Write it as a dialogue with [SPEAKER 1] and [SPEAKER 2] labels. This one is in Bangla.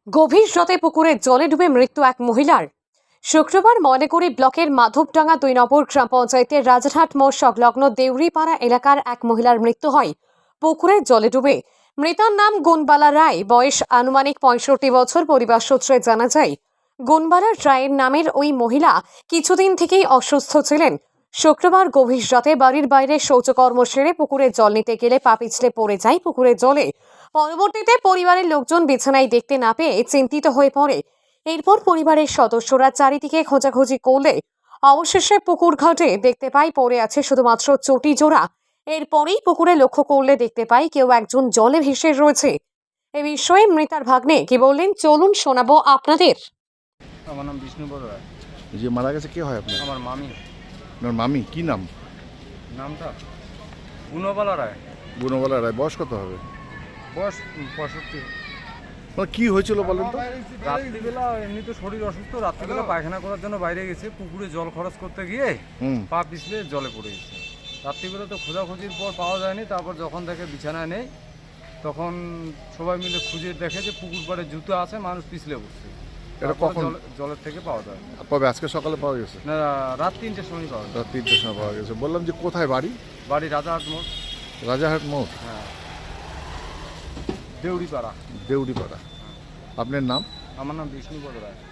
[SPEAKER 1] গভীর রাতে পুকুরে জলে ডুবে মৃত্যু এক মহিলার। শুক্রবার ময়নাগুড়ি ব্লকের মাধবডাঙ্গা 2 নম্বর গ্রাম পঞ্চায়েতের রাজারহাট মোড় সংলগ্ন দেউরিপাড়া এলাকার এক মহিলার মৃত্যু হয় পুকুরে জলে ডুবে। মৃতার নাম গুনবালা রায়, বয়স আনুমানিক 65 বছর। পরিবার সূত্রে জানা যায়, গুনবালা রায়ের নামের ওই মহিলা কিছুদিন থেকেই অসুস্থ ছিলেন। শুক্রবার গভীর রাতে বাড়ির বাইরে শৌচকর্ম সেরে পুকুরে জল নিতে গেলে পা পিছলে পড়ে যায় পুকুরের জলে। পরবর্তীতে পরিবারের লোকজন বিছানায় দেখতে না পেয়ে চিন্তিত হয়ে পড়ে। এরপর পরিবারের সদস্যরা চারিদিকে খোঁজাখুঁজি করলে অবশেষে পুকুর ঘাটে দেখতে পাই পড়ে আছে শুধুমাত্র চটি জোড়া। এরপরেই পুকুরে লক্ষ্য করলে দেখতে পাই কেউ একজন জলে ভেসে রয়েছে। এ বিষয়ে মৃতার ভাগ্নে কি বললেন চলুন শোনাবো আপনাদের।
[SPEAKER 2] আমার নাম বিষ্ণু বড় রায়।
[SPEAKER 3] যে মারা গেছে কে হয় আপনার?
[SPEAKER 2] আমার মামি।
[SPEAKER 3] আপনার মামি কি নাম?
[SPEAKER 2] নামটা গুণবালা রায়।
[SPEAKER 3] গুণবালা রায়। বয়স কত হবে?
[SPEAKER 2] বয়স 65।
[SPEAKER 3] মানে কি হয়েছিল বলেন তো?
[SPEAKER 2] রাত্রিবেলা এমনি তো শরীর অসুস্থ, রাত্রিবেলা পায়খানা করার জন্য বাইরে গেছে, পুকুরে জল খরচ করতে গিয়ে পা পিছলে জলে পড়ে গেছে। রাত্রিবেলা তো খোঁজাখুঁজির পর পাওয়া যায়নি, তারপর যখন দেখে বিছানায় নেই তখন সবাই মিলে খুঁজে দেখে যে পুকুর পাড়ে জুতো আছে, মানুষ পিছলে পড়ছে।
[SPEAKER 3] এটা কখন?
[SPEAKER 2] জলের থেকে পাওয়া যায়।
[SPEAKER 3] কবে? আজকে সকালে পাওয়া গেছে?
[SPEAKER 2] না, রাত 3টের সময় পাওয়া যায়।
[SPEAKER 3] রাত 3টের সময় পাওয়া গেছে। বললাম যে কোথায় বাড়ি?
[SPEAKER 2] বাড়ি রাজারহাট মোড়।
[SPEAKER 3] রাজারহাট মোড়?
[SPEAKER 2] হ্যাঁ, দেউরিপাড়া।
[SPEAKER 3] দেউরিপাড়া। আপনার নাম?
[SPEAKER 2] আমার নাম বিষ্ণু বড় রায়।